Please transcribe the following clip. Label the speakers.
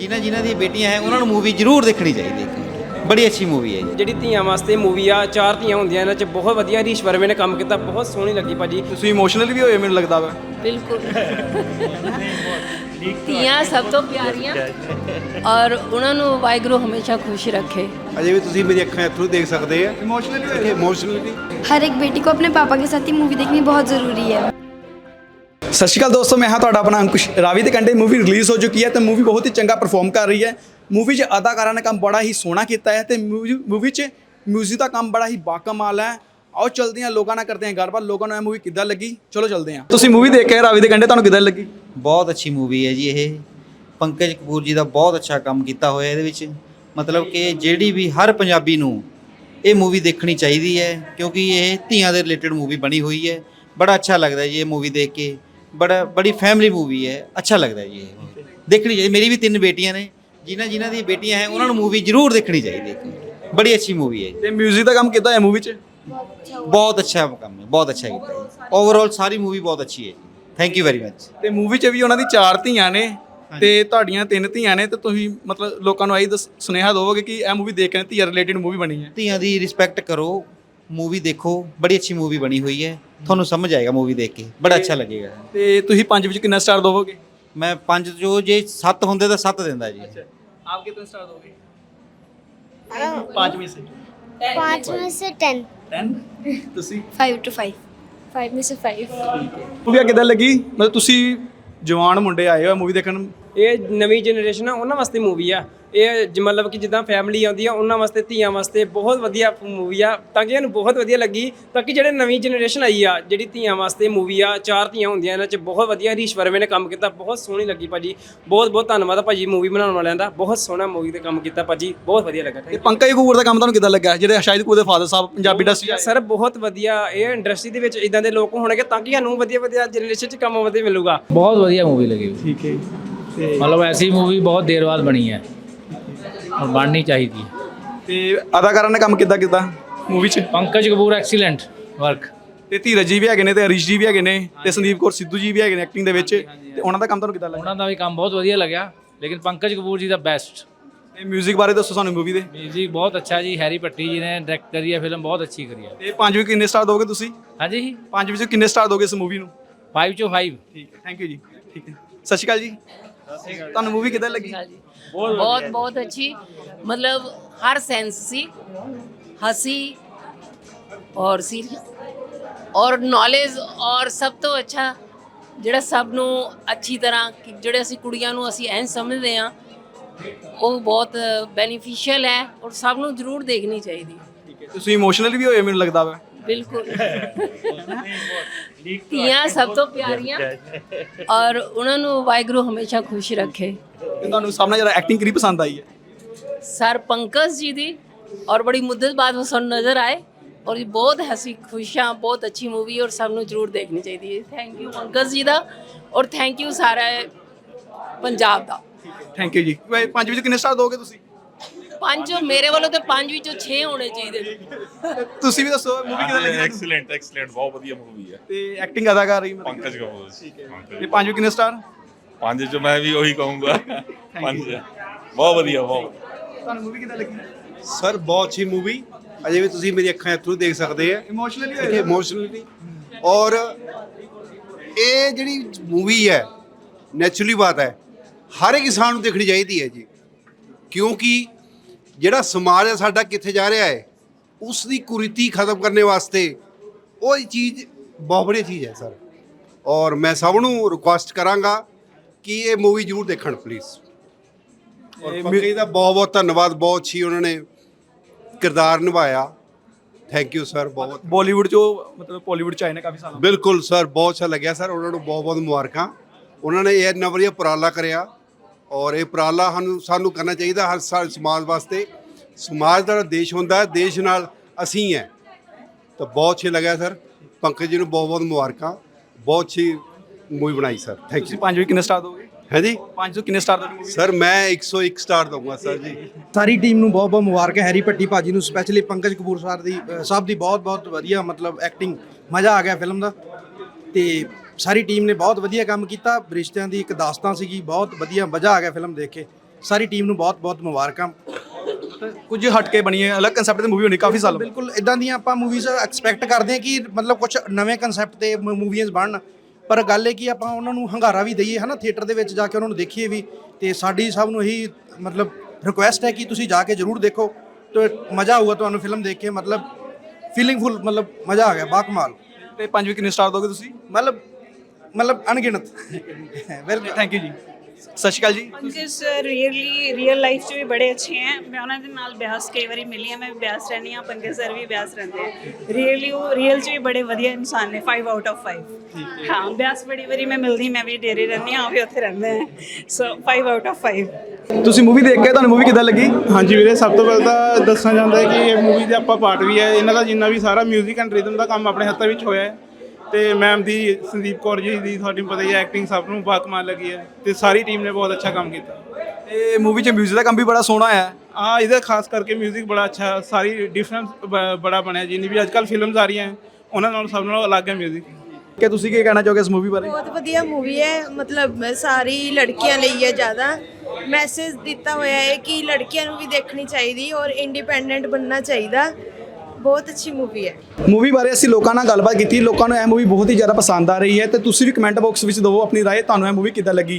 Speaker 1: ਜਿਨ੍ਹਾਂ ਜਿਨ੍ਹਾਂ ਦੀਆਂ ਬੇਟੀਆਂ ਹੈ ਉਹਨਾਂ ਨੂੰ ਮੂਵੀ ਜ਼ਰੂਰ ਦੇਖਣੀ ਚਾਹੀਦੀ ਹੈ। ਬੜੀ ਅੱਛੀ ਮੂਵੀ ਹੈ ਜੀ।
Speaker 2: ਜਿਹੜੀ ਧੀਆਂ ਵਾਸਤੇ ਮੂਵੀ ਆ, 4 ਧੀਆਂ ਹੁੰਦੀਆਂ ਇਹਨਾਂ 'ਚ ਬਹੁਤ ਵਧੀਆ ਹਰੀਸ਼ ਵਰਮੇ ਨੇ ਕੰਮ ਕੀਤਾ, ਬਹੁਤ ਸੋਹਣੀ ਲੱਗੀ ਭਾਜੀ।
Speaker 3: ਤੁਸੀਂ ਇਮੋਸ਼ਨਲ ਵੀ ਹੋਏ ਮੈਨੂੰ ਲੱਗਦਾ ਵਾ।
Speaker 4: ਬਿਲਕੁਲ ਧੀਆਂ ਸਭ ਤੋਂ ਪਿਆਰੀਆਂ ਔਰ ਉਹਨਾਂ ਨੂੰ ਵਾਹਿਗੁਰੂ ਹਮੇਸ਼ਾ ਖੁਸ਼ ਰੱਖੇ।
Speaker 5: अजय भी तुम मेरी अखा थ्रू देख सकते हैं इमोशनली।
Speaker 6: हर एक बेटी को अपने पापा के साथ ही मूवी देखनी बहुत ज़रूरी है।
Speaker 3: ਸਤਿ ਸ਼੍ਰੀ ਅਕਾਲ ਦੋਸਤੋ, ਮੈਂ ਹਾਂ ਤੁਹਾਡਾ ਆਪਣਾ ਅੰਕੁਸ਼। ਰਾਵੀ ਦੇ ਕੰਢੇ ਮੂਵੀ ਰਿਲੀਜ਼ ਹੋ ਚੁੱਕੀ ਹੈ ਤੇ ਮੂਵੀ ਬਹੁਤ ਹੀ ਚੰਗਾ ਪਰਫਾਰਮ ਕਰ ਰਹੀ ਹੈ। ਮੂਵੀ 'ਚ ਅਦਾਕਾਰਾਂ ਨੇ ਕੰਮ ਬੜਾ ਹੀ ਸੋਹਣਾ ਕੀਤਾ ਹੈ ਤੇ ਮੂਵੀ 'ਚ ਮਿਊਜ਼ਿਕ ਦਾ ਕੰਮ ਬੜਾ ਹੀ ਬਾਕਮਾਲ ਹੈ। ਆਓ ਚਲਦੇ ਹਾਂ, ਲੋਕਾਂ ਨਾਲ ਕਰਦੇ ਹਾਂ ਗੱਲਬਾਤ। ਲੋਕਾਂ ਨੂੰ ਇਹ ਮੂਵੀ ਕਿੱਦਾਂ ਲੱਗੀ, ਚਲੋ ਚਲਦੇ ਹਾਂ। ਤੁਸੀਂ ਮੂਵੀ ਦੇਖ ਕੇ ਰਾਵੀ ਦੇ ਕੰਢੇ, ਤੁਹਾਨੂੰ ਕਿੱਦਾਂ ਲੱਗੀ?
Speaker 1: ਬਹੁਤ ਅੱਛੀ ਮੂਵੀ ਹੈ ਜੀ ਇਹ। ਪੰਕਜ ਕਪੂਰ ਜੀ ਦਾ ਬਹੁਤ ਅੱਛਾ ਕੰਮ ਕੀਤਾ ਹੋਇਆ ਇਹਦੇ ਵਿੱਚ। ਮਤਲਬ ਕਿ ਜਿਹੜੀ ਵੀ ਹਰ ਪੰਜਾਬੀ ਨੂੰ ਇਹ ਮੂਵੀ ਦੇਖਣੀ ਚਾਹੀਦੀ ਹੈ ਕਿਉਂਕਿ ਇਹ ਧੀਆਂ ਦੇ ਰਿਲੇਟਡ ਮੂਵੀ ਬਣੀ ਹੋਈ ਹੈ। ਬੜਾ ਅੱਛਾ ਲੱਗਦਾ ਜੀ ਇਹ ਮੂਵੀ ਦੇਖ ਕੇ। ਬੜੀ ਫੈਮਿਲੀ ਮੂਵੀ ਹੈ, ਅੱਛਾ ਲੱਗਦਾ ਜੀ ਇਹ ਦੇਖਣੀ ਚਾਹੀਦੀ। ਮੇਰੀ ਵੀ 3 ਬੇਟੀਆਂ ਨੇ, ਜਿਨ੍ਹਾਂ ਜਿਨ੍ਹਾਂ ਦੀਆਂ ਬੇਟੀਆਂ ਹੈ ਉਹਨਾਂ ਨੂੰ ਮੂਵੀ ਜ਼ਰੂਰ ਦੇਖਣੀ ਚਾਹੀਦੀ ਹੈ। ਬੜੀ ਅੱਛੀ ਮੂਵੀ ਹੈ ਜੀ।
Speaker 3: ਤੇ ਮਿਊਜ਼ਿਕ ਦਾ ਕੰਮ ਕਿੱਦਾਂ ਹੈ ਮੂਵੀ 'ਚ?
Speaker 1: ਬਹੁਤ ਅੱਛਾ ਕੰਮ ਹੈ, ਬਹੁਤ ਅੱਛਾ ਕੀਤਾ ਜੀ। ਓਵਰਆਲ ਸਾਰੀ ਮੂਵੀ ਬਹੁਤ ਅੱਛੀ ਹੈ ਜੀ। Thank you very much.
Speaker 3: ਤੇ ਮੂਵੀ 'ਚ ਵੀ ਉਹਨਾਂ ਦੀ 4 ਧੀਆਂ ਨੇ ਤੇ ਤੁਹਾਡੀਆਂ 3 ਧੀਆਂ ਨੇ, ਤੇ ਤੁਸੀਂ ਮਤਲਬ ਲੋਕਾਂ ਨੂੰ ਆਹੀ ਸੁਨੇਹਾ ਦਿਓਗੇ ਕਿ ਇਹ ਮੂਵੀ ਦੇਖ ਕੇ ਧੀਆਂ ਰਿਲੇਟਡ ਮੂਵੀ ਬਣੀ ਹੈ।
Speaker 1: ਧੀਆਂ ਦੀ ਰਿਸਪੈਕਟ ਕਰੋ, ਮੂਵੀ ਦੇਖੋ, ਬੜੀ ਅੱਛੀ ਮੂਵੀ ਬਣੀ ਹੋਈ ਹੈ। ਤੁਹਾਨੂੰ ਸਮਝ ਆਏਗਾ ਮੂਵੀ ਦੇਖ ਕੇ, ਬੜਾ ਅੱਛਾ ਲੱਗੇਗਾ।
Speaker 3: ਤੇ ਤੁਸੀਂ 5 ਵਿੱਚ ਕਿੰਨਾ ਸਟਾਰ ਦੋਗੇ?
Speaker 1: ਮੈਂ 5 ਜੋ ਜੇ 7 ਹੁੰਦੇ ਤਾਂ 7 ਦਿੰਦਾ ਜੀ।
Speaker 3: ਆਪ ਕਿੰਨਾ ਸਟਾਰ ਦੋਗੇ? 5 में से
Speaker 6: 5 में से 10।
Speaker 3: 10 ਤੁਸੀਂ
Speaker 6: 5 to 5। 5 में से 5।
Speaker 3: ਮੂਵੀ ਕਿੱਦਾਂ ਲੱਗੀ? ਮਤਲਬ ਤੁਸੀਂ ਜਵਾਨ ਮੁੰਡੇ ਆਏ ਹੋ ਮੂਵੀ ਦੇਖਣ।
Speaker 2: ਇਹ ਨਵੀਂ ਜਨਰੇਸ਼ਨ ਆ ਉਹਨਾਂ ਵਾਸਤੇ ਮੂਵੀ ਆ ਇਹ। ਮਤਲਬ ਕਿ ਜਿੱਦਾਂ ਫੈਮਿਲੀ ਆਉਂਦੀ ਆ ਉਹਨਾਂ ਵਾਸਤੇ, ਧੀਆਂ ਵਾਸਤੇ ਬਹੁਤ ਵਧੀਆ ਮੂਵੀ ਆ। ਤਾਂ ਕਿ ਇਹਨੂੰ ਬਹੁਤ ਵਧੀਆ ਲੱਗੀ। ਤਾਂ ਕਿ ਜਿਹੜੇ ਨਵੀਂ ਜਨਰੇਸ਼ਨ ਆਈ ਆ, ਜਿਹੜੀ ਧੀਆਂ ਵਾਸਤੇ ਮੂਵੀ ਆ, 4 ਧੀਆਂ ਹੁੰਦੀਆਂ ਇਹਨਾਂ 'ਚ ਬਹੁਤ ਵਧੀਆ ਹਰੀਸ਼ ਵਰਮੇ ਨੇ ਕੰਮ ਕੀਤਾ, ਬਹੁਤ ਸੋਹਣੀ ਲੱਗੀ ਭਾਜੀ। ਬਹੁਤ ਬਹੁਤ ਧੰਨਵਾਦ ਆ ਭਾਜੀ ਮੂਵੀ ਬਣਾਉਣ ਵਾਲਿਆਂ ਦਾ। ਬਹੁਤ ਸੋਹਣਾ ਮੂਵੀ ਤੇ ਕੰਮ ਕੀਤਾ ਭਾਜੀ, ਬਹੁਤ ਵਧੀਆ ਲੱਗਾ।
Speaker 3: ਤੇ ਪੰਕਜ ਕਪੂਰ ਦਾ ਕੰਮ ਤੁਹਾਨੂੰ ਕਿੱਦਾਂ ਲੱਗਾ, ਜਿਹੜੇ ਸ਼ਾਹਿਦ ਕਪੂਰ ਦੇ ਫਾਦਰ ਸਾਹਿਬ ਪੰਜਾਬੀ ਇੰਡਸਟਰੀ?
Speaker 2: ਸਰ ਬਹੁਤ ਵਧੀਆ। ਇਹ ਇੰਡਸਟਰੀ ਦੇ ਵਿੱਚ ਇਦਾਂ ਦੇ ਲੋਕ ਹੋਣਗੇ ਤਾਂ ਕਿ ਸਾਨੂੰ ਵਧੀਆ ਵਧੀਆ ਜਨਰੇਸ਼ਨ 'ਚ ਕੰਮ ਵਧੀਆ ਮਿਲੂਗਾ।
Speaker 7: बहुत बढ़िया मूवी लगी।
Speaker 3: ਠੀਕ ਹੈ।
Speaker 7: मतलब ऐसी मूवी बहुत देर बाद बनी है और बननी चाहिए थी।
Speaker 3: ਤੇ ਅਦਾਕਾਰਾਂ ਨੇ ਕੰਮ ਕਿੱਦਾਂ ਮੂਵੀ 'ਚ?
Speaker 7: Pankaj Kapoor excellent work.
Speaker 3: ਤੇ ਧੀਰਜ ਜੀ ਵੀ ਹੈਗੇ ਨੇ, ਤੇ ਹਰੀਸ਼ ਜੀ ਵੀ ਹੈਗੇ ਨੇ, ਤੇ ਸੰਦੀਪ ਕੌਰ ਸਿੱਧੂ ਜੀ ਵੀ ਹੈਗੇ ਨੇ ਐਕਟਿੰਗ ਦੇ ਵਿੱਚ। ਤੇ ਉਹਨਾਂ ਦਾ ਕੰਮ ਤੁਹਾਨੂੰ ਕਿੱਦਾਂ ਲੱਗਾ?
Speaker 7: ਉਹਨਾਂ ਦਾ ਵੀ ਕੰਮ ਬਹੁਤ ਵਧੀਆ ਲੱਗਿਆ, ਲੇਕਿਨ ਪੰਕਜ ਕਪੂਰ ਜੀ ਦਾ ਬੈਸਟ।
Speaker 3: ਤੇ ਮਿਊਜ਼ਿਕ ਬਾਰੇ ਦੱਸੋ ਸਾਨੂੰ ਮੂਵੀ ਦੇ।
Speaker 7: म्यूजिक बहुत अच्छा जी, हैरी पट्टी जी ने डायरेक्ट करी है, फिल्म बहुत अच्छी करी है।
Speaker 3: ਤੇ 5 ਵਿੱਚ ਕਿੰਨੇ ਸਟਾਰ ਦੋਗੇ ਤੁਸੀਂ?
Speaker 7: हाँ जी,
Speaker 3: 5 ਵਿੱਚ ਕਿੰਨੇ ਸਟਾਰ ਦੋਗੇ ਇਸ ਮੂਵੀ ਨੂੰ?
Speaker 7: 5 चो 5।
Speaker 3: ਠੀਕ ਹੈ, ਥੈਂਕ ਯੂ ਜੀ। ਠੀਕ ਹੈ, ਸਤਿ ਸ਼੍ਰੀ ਅਕਾਲ ਜੀ। ਤੁਹਾਨੂੰ ਮੂਵੀ ਕਿੱਦਾਂ ਲੱਗੀ?
Speaker 4: ਬਹੁਤ ਬਹੁਤ ਅੱਛੀ। ਮਤਲਬ ਹਰ ਸੈਂਸ ਸੀ, ਹਸੀ ਔਰ ਸੀਰੀਅਸ ਔਰ ਨੌਲੇਜ, ਔਰ ਸਭ ਤੋਂ ਅੱਛਾ ਜਿਹੜਾ ਸਭ ਨੂੰ ਅੱਛੀ ਤਰ੍ਹਾਂ ਜਿਹੜੇ ਅਸੀਂ ਕੁੜੀਆਂ ਨੂੰ ਅਸੀਂ ਐਂ ਸਮਝਦੇ ਹਾਂ, ਉਹ ਬਹੁਤ ਬੈਨੀਫੀਸ਼ੀਅਲ ਹੈ ਔਰ ਸਭ ਨੂੰ ਜ਼ਰੂਰ ਦੇਖਣੀ ਚਾਹੀਦੀ।
Speaker 3: ਠੀਕ ਹੈ, ਤੁਸੀਂ ਇਮੋਸ਼ਨਲ ਵੀ ਹੋਏ ਮੈਨੂੰ ਲੱਗਦਾ ਵਾ।
Speaker 4: ਬਿਲਕੁਲ ਧੀਆਂ ਸਭ ਤੋਂ ਪਿਆਰੀਆਂ ਔਰ ਉਹਨਾਂ ਨੂੰ ਵਾਹਿਗੁਰੂ ਹਮੇਸ਼ਾ ਖੁਸ਼ ਰੱਖੇ।
Speaker 3: ਤੇ ਤੁਹਾਨੂੰ ਸਭ ਨਾਲ ਜ਼ਿਆਦਾ ਐਕਟਿੰਗ ਕਿਹੜੀ ਪਸੰਦ ਆਈ ਹੈ?
Speaker 4: सर पंकज जी दी, और बड़ी मुद्दत बाद वो सब नज़र आए और ये बहुत हंसी खुशियाँ, बहुत अच्छी मूवी और सब नूं जरूर देखनी चाहिए। थैंक यू पंकज जी दा और थैंक यू सारा पंजाब दा।
Speaker 3: ਥੈਂਕ ਯੂ ਜੀ। 5 ਵਿੱਚ ਕਿੰਨੇ ਸਟਾਰ ਦੋਗੇ ਤੁਸੀਂ?
Speaker 4: 5 मेरे वालों तो 5 ਵਿੱਚੋਂ 6 ਹੋਣੇ ਚਾਹੀਦੇ।
Speaker 3: ਤੁਸੀਂ ਵੀ ਦੱਸੋ ਮੂਵੀ ਕਿੱਦਾਂ ਲੱਗੀ?
Speaker 8: ਐਕਸਲੈਂਟ ਬਹੁਤ ਵਧੀਆ ਮੂਵੀ ਹੈ।
Speaker 3: ਤੇ ਐਕਟਿੰਗ ਅਦਾਕਾਰ ਰਹੀ
Speaker 8: ਪੰਕਜ ਕਪੂਰ।
Speaker 3: ਤੇ 5 ਵਿੱਚ ਕਿੰਨੇ ਸਟਾਰ?
Speaker 8: 5 ਚ ਮੈਂ ਵੀ ਉਹੀ ਕਹੂੰਗਾ, 5 ਬਹੁਤ ਵਧੀਆ, ਬਹੁਤ।
Speaker 3: ਤੁਹਾਨੂੰ ਮੂਵੀ ਕਿੱਦਾਂ ਲੱਗੀ?
Speaker 5: सर बहुत अच्छी मूवी। अजय भी तुम मेरी अखा थ्रू देख सकते हैं
Speaker 3: ਇਮੋਸ਼ਨਲੀ
Speaker 5: इमोशनली। और ये ਜਿਹੜੀ मूवी है ਨੈਚੁਰਲੀ ਬਾਤ ਹੈ, ਹਰ ਇੱਕ ਇਨਸਾਨ ਨੂੰ ਦੇਖਣੀ ਚਾਹੀਦੀ ਹੈ ਜੀ। ਕਿਉਂਕਿ ਜਿਹੜਾ ਸਮਾਜ ਹੈ ਸਾਡਾ ਕਿੱਥੇ ਜਾ ਰਿਹਾ ਹੈ, ਉਸ ਦੀ ਕੁਰੀਤੀ ਖਤਮ ਕਰਨ ਵਾਸਤੇ ਉਹ ਚੀਜ਼ ਬਹੁਤ ਵਧੀਆ ਚੀਜ਼ ਹੈ ਸਰ। ਔਰ ਮੈਂ ਸਭ ਨੂੰ ਰਿਕੁਐਸਟ ਕਰਾਂਗਾ ਕਿ ਇਹ ਮੂਵੀ ਜ਼ਰੂਰ ਦੇਖਣ ਪਲੀਜ਼। ਔਰ ਪੰਕਜ ਦਾ ਬਹੁਤ ਬਹੁਤ ਧੰਨਵਾਦ, ਬਹੁਤ ਅੱਛੀ ਉਹਨਾਂ ਨੇ ਕਿਰਦਾਰ ਨਿਭਾਇਆ। Thank you sir. ਬਹੁਤ
Speaker 3: ਬਾਲੀਵੁੱਡ ਚੋਂ ਮਤਲਬ ਬਾਲੀਵੁੱਡ ਚ ਆਏ ਨੇ ਕਾਫੀ ਸਾਲਾਂ
Speaker 5: ਬਿਲਕੁਲ ਸਰ, ਬਹੁਤ ਅੱਛਾ ਲੱਗਿਆ ਸਰ। ਉਹਨਾਂ ਨੂੰ ਬਹੁਤ ਬਹੁਤ ਮੁਬਾਰਕਾਂ। ਉਹਨਾਂ ਨੇ ਇਹ ਇੰਨਾ ਵਧੀਆ ਉਪਰਾਲਾ ਕਰਿਆ ਔਰ ਇਹ ਉਪਰਾਲਾ ਸਾਨੂੰ ਕਰਨਾ ਚਾਹੀਦਾ ਹਰ ਸਾਲ ਸਮਾਜ ਵਾਸਤੇ। ਸਮਾਜ ਦਾ ਦੇਸ਼ ਹੁੰਦਾ ਹੈ, ਦੇਸ਼ ਨਾਲ ਅਸੀਂ ਹੈ। ਤਾਂ ਬਹੁਤ ਅੱਛਾ ਲੱਗਿਆ ਸਰ। ਪੰਕਜ ਜੀ ਨੂੰ ਬਹੁਤ ਬਹੁਤ ਮੁਬਾਰਕਾਂ, ਬਹੁਤ ਅੱਛੀ ਮੂਵੀ ਬਣਾਈ ਸਰ। ਥੈਂਕ
Speaker 3: ਤੁਸੀਂ
Speaker 5: ਯੂ।
Speaker 3: 5 ਵਿੱਚ ਕਿੰਨੇ ਸਟਾਰ ਦੋਗੇ?
Speaker 5: ਹੈ ਜੀ
Speaker 3: 5 ਤੋਂ ਕਿੰਨੇ ਸਟਾਰ ਦੋਗੇ?
Speaker 5: ਸਰ ਮੈਂ 101 ਸਟਾਰ ਦਊਂਗਾ ਸਰ ਜੀ।
Speaker 9: ਸਾਰੀ ਟੀਮ ਨੂੰ ਬਹੁਤ ਬਹੁਤ ਮੁਬਾਰਕ ਹੈ। ਹੈਰੀ ਭੱਟੀ ਭਾਜੀ ਨੂੰ ਸਪੈਸ਼ਲੀ, ਪੰਕਜ ਕਪੂਰ ਸਾਹਿਬ ਦੀ ਬਹੁਤ ਬਹੁਤ ਵਧੀਆ ਮਤਲਬ ਐਕਟਿੰਗ, ਮਜ਼ਾ ਆ ਗਿਆ ਫਿਲਮ ਦਾ। ਤੇ ਸਾਰੀ ਟੀਮ ਨੇ ਬਹੁਤ ਵਧੀਆ ਕੰਮ ਕੀਤਾ। ਰਿਸ਼ਤਿਆਂ ਦੀ ਇੱਕ ਦਾਸਤਾਨ ਸੀਗੀ, ਬਹੁਤ ਵਧੀਆ, ਮਜ਼ਾ ਆ ਗਿਆ ਫਿਲਮ ਦੇਖ ਕੇ। ਸਾਰੀ ਟੀਮ ਨੂੰ ਬਹੁਤ ਬਹੁਤ ਮੁਬਾਰਕਾਂ।
Speaker 3: ਕੁਝ ਹਟ ਕੇ ਬਣੀ ਹੈ, ਅਲੱਗ ਕਨਸੈਪਟ ਦੀ ਮੂਵੀ ਹੋਣੀ ਕਾਫੀ ਸਾਲ ਬਾਅਦ।
Speaker 9: ਬਿਲਕੁਲ ਇਦਾਂ ਦੀਆਂ ਆਪਾਂ ਮੂਵੀਜ਼ ਐਕਸਪੈਕਟ ਕਰਦੇ ਹਾਂ ਕਿ ਮਤਲਬ ਕੁਝ ਨਵੇਂ ਕਨਸੈਪਟ ਤੇ ਮੂਵੀਜ਼ ਬਣਨ, ਪਰ ਗੱਲ ਇਹ ਕਿ ਆਪਾਂ ਉਹਨਾਂ ਨੂੰ ਹੰਗਾਰਾ ਵੀ ਦਈਏ ਹੈ ਨਾ, ਥੀਏਟਰ ਦੇ ਵਿੱਚ ਜਾ ਕੇ ਉਹਨਾਂ ਨੂੰ ਦੇਖੀਏ ਵੀ। ਤੇ ਸਾਡੀ ਸਭ ਨੂੰ ਇਹੀ ਮਤਲਬ ਰਿਕੁਐਸਟ ਹੈ ਕਿ ਤੁਸੀਂ ਜਾ ਕੇ ਜ਼ਰੂਰ ਦੇਖੋ ਤੇ ਮਜ਼ਾ ਆਊਗਾ ਤੁਹਾਨੂੰ ਫਿਲਮ ਦੇਖ ਕੇ, ਮਤਲਬ ਫੀਲਿੰਗਫੁਲ, ਮਤਲਬ ਮਜ਼ਾ ਆ ਗਿਆ, ਬਾਕਮਾਲ।
Speaker 3: ਤੇ 5 ਵੀ ਕਿੰਨੇ ਸਟਾਰ ਦੋਗੇ ਤੁਸੀਂ?
Speaker 9: ਮਤਲਬ ਅਣਗਿਣਤ। ਵੈਲਕਮ,
Speaker 3: ਥੈਂਕ ਯੂ ਜੀ। ਸਤਿ ਸ਼੍ਰੀ ਅਕਾਲ ਜੀ।
Speaker 10: ਪੰਕਜ ਸਰ ਰੀਅਲ ਲਾਈਫ 'ਚ ਵੀ ਬੜੇ ਅੱਛੇ ਹੈ। ਮੈਂ ਉਹਨਾਂ ਦੇ ਨਾਲ ਬਿਆਸ ਕਈ ਵਾਰੀ ਮਿਲੀ ਹਾਂ, ਮੈਂ ਵੀ ਬਿਆਸ ਰਹਿੰਦੀ ਹਾਂ, ਪੰਕਜ ਸਰ ਵੀ ਬਿਆਸ ਰਹਿੰਦੇ ਹੈ। ਰੀਅਲ 'ਚ ਵੀ ਬੜੇ ਵਧੀਆ ਇਨਸਾਨ ਨੇ, 5 ਆਊਟ ਆਫ 5। ਹਾਂ, ਬਿਆਸ ਬੜੀ ਵਾਰੀ ਮੈਂ ਮਿਲਦੀ, ਮੈਂ ਵੀ ਡੇਰੇ ਰਹਿੰਦੀ ਹਾਂ, ਉਹ ਵੀ ਉੱਥੇ ਰਹਿੰਦੇ ਹੈ। So 5 out of 5।
Speaker 3: ਤੁਸੀਂ ਮੂਵੀ ਦੇਖ ਕੇ ਤੁਹਾਨੂੰ ਮੂਵੀ ਕਿੱਦਾਂ ਲੱਗੀ?
Speaker 11: ਹਾਂਜੀ ਵੀਰੇ, ਸਭ ਤੋਂ ਪਹਿਲਾਂ ਤਾਂ ਦੱਸਣਾ ਚਾਹੁੰਦਾ ਹੈ ਕਿ ਇਹ ਮੂਵੀ ਦੇ ਆਪਾਂ ਪਾਰਟ ਵੀ ਹੈ। ਇਹਨਾਂ ਦਾ ਜਿੰਨਾ ਵੀ ਸਾਰਾ ਮਿਊਜ਼ਿਕ ਐਂਡ ਰਿਦਮ ਦਾ ਕੰਮ ਆਪਣੇ ਹੱਥਾਂ ਵਿੱਚ ਹੋਇਆ ਹੈ। ਤੇ ਮੈਮ ਦੀ, ਸੰਦੀਪ ਕੌਰ ਜੀ ਦੀ, ਤੁਹਾਨੂੰ ਪਤਾ ਹੀ ਹੈ, ਐਕਟਿੰਗ ਸਭ ਨੂੰ ਬਾਕਮਾਲ ਲੱਗੀ ਹੈ ਤੇ ਸਾਰੀ ਟੀਮ ਨੇ ਬਹੁਤ ਅੱਛਾ ਕੰਮ ਕੀਤਾ।
Speaker 3: ਇਹ ਮੂਵੀ 'ਚ ਮਿਊਜ਼ਿਕ ਦਾ ਕੰਮ ਵੀ ਬੜਾ ਸੋਹਣਾ ਹੈ।
Speaker 11: ਹਾਂ, ਇਹਦਾ ਖਾਸ ਕਰਕੇ ਮਿਊਜ਼ਿਕ ਬੜਾ ਅੱਛਾ, ਸਾਰੀ ਡਿਫਰੈਂਸ ਬੜਾ ਬਣਿਆ। ਜਿੰਨੀ ਵੀ ਅੱਜ ਕੱਲ੍ਹ ਫਿਲਮਸ ਆ ਰਹੀਆਂ ਉਹਨਾਂ ਨਾਲੋਂ ਸਭ ਨਾਲੋਂ ਅਲੱਗ ਹੈ ਮਿਊਜ਼ਿਕ।
Speaker 3: ਕਿ ਤੁਸੀਂ ਕੀ ਕਹਿਣਾ ਚਾਹੋਗੇ ਇਸ ਮੂਵੀ ਬਾਰੇ?
Speaker 6: ਬਹੁਤ ਵਧੀਆ ਮੂਵੀ ਹੈ, ਮਤਲਬ ਸਾਰੀ ਲੜਕੀਆਂ ਲਈ ਹੈ, ਜ਼ਿਆਦਾ ਮੈਸੇਜ ਦਿੱਤਾ ਹੋਇਆ ਹੈ ਕਿ ਲੜਕੀਆਂ ਨੂੰ ਵੀ ਦੇਖਣੀ ਚਾਹੀਦੀ ਔਰ ਇੰਡੀਪੈਂਡੈਂਟ ਬਣਨਾ ਚਾਹੀਦਾ। ਬਹੁਤ ਅੱਛੀ ਮੂਵੀ ਹੈ।
Speaker 3: ਮੂਵੀ ਬਾਰੇ ਅਸੀਂ ਲੋਕਾਂ ਨਾਲ ਗੱਲਬਾਤ ਕੀਤੀ, ਲੋਕਾਂ ਨੂੰ ਇਹ ਮੂਵੀ ਬਹੁਤ ਹੀ ਜ਼ਿਆਦਾ ਪਸੰਦ ਆ ਰਹੀ ਹੈ ਤੇ ਤੁਸੀਂ ਵੀ ਕਮੈਂਟ ਬਾਕਸ ਵਿੱਚ ਦਿਓ ਆਪਣੀ ਰਾਏ, ਤੁਹਾਨੂੰ ਇਹ ਮੂਵੀ ਕਿੱਦਾਂ ਲੱਗੀ।